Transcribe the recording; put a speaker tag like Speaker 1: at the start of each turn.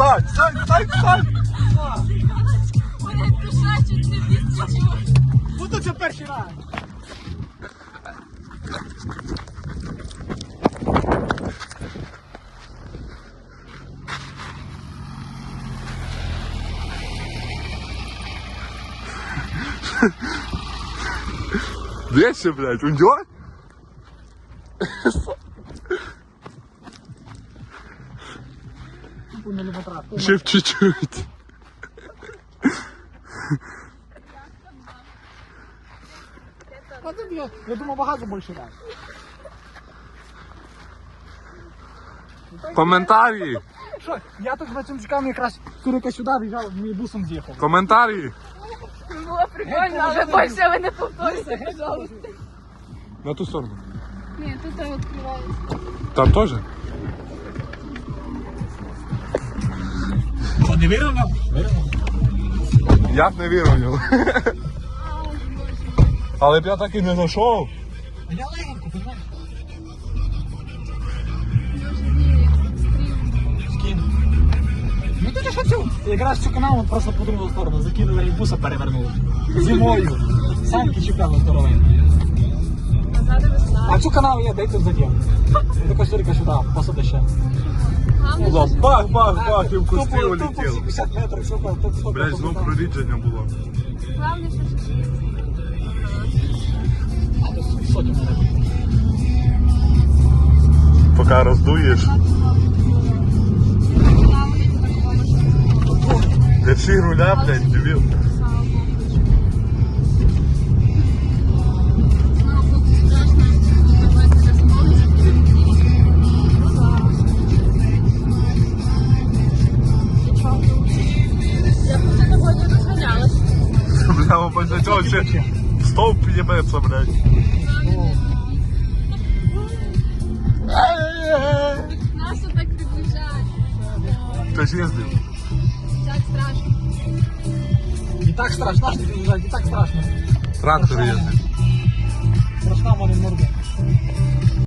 Speaker 1: Стань!
Speaker 2: Вони пішачуть не відчуть.
Speaker 3: Буду це перший раз.
Speaker 1: Дальше, блядь, уйдет? Еще чуть-чуть.
Speaker 3: Я думав, багато більше раз.
Speaker 1: Коментарі.
Speaker 3: Що, я тут з працівниками якраз Сурика сюди виїжджав, мій бусом з'їхав.
Speaker 1: Коментарі.
Speaker 2: Було прикольно, вже більше ви не повторюйте, пожалуйста.
Speaker 1: На ту сторону.
Speaker 2: Ні, тут відкривається.
Speaker 1: Там тоже?
Speaker 3: Що, не вірив нам?
Speaker 1: Я б не вірив в нього. Але б я так і не знайшов.
Speaker 3: А я легенько, понимаєш? Скину. Ну тут що цю? Якраз цю канал от просто по другу сторону закинули і буса перевернули. Зимою. Самки чіпляли здоровенькі. А цю канал я дай тут задів. До Костюрика сюди, посади ще.
Speaker 1: Бах, і в кусти
Speaker 3: Тупо
Speaker 1: улетів.
Speaker 3: 50 метрів, що тут.
Speaker 1: Блядь, знов прорідження було.
Speaker 2: Главне, що
Speaker 3: Сотню мене.
Speaker 1: Поки роздуєш. Держи руля, блядь, дебіл.
Speaker 2: я б це тобою не розганялась.
Speaker 1: Бля, після цього ще стовп їбеться, блядь.
Speaker 2: Нас так приближають.
Speaker 1: Ти ж їздив?
Speaker 2: Так страшно.
Speaker 3: Не так страшно, не так страшно.
Speaker 1: Трактор їздив.
Speaker 3: Страшна мене морда.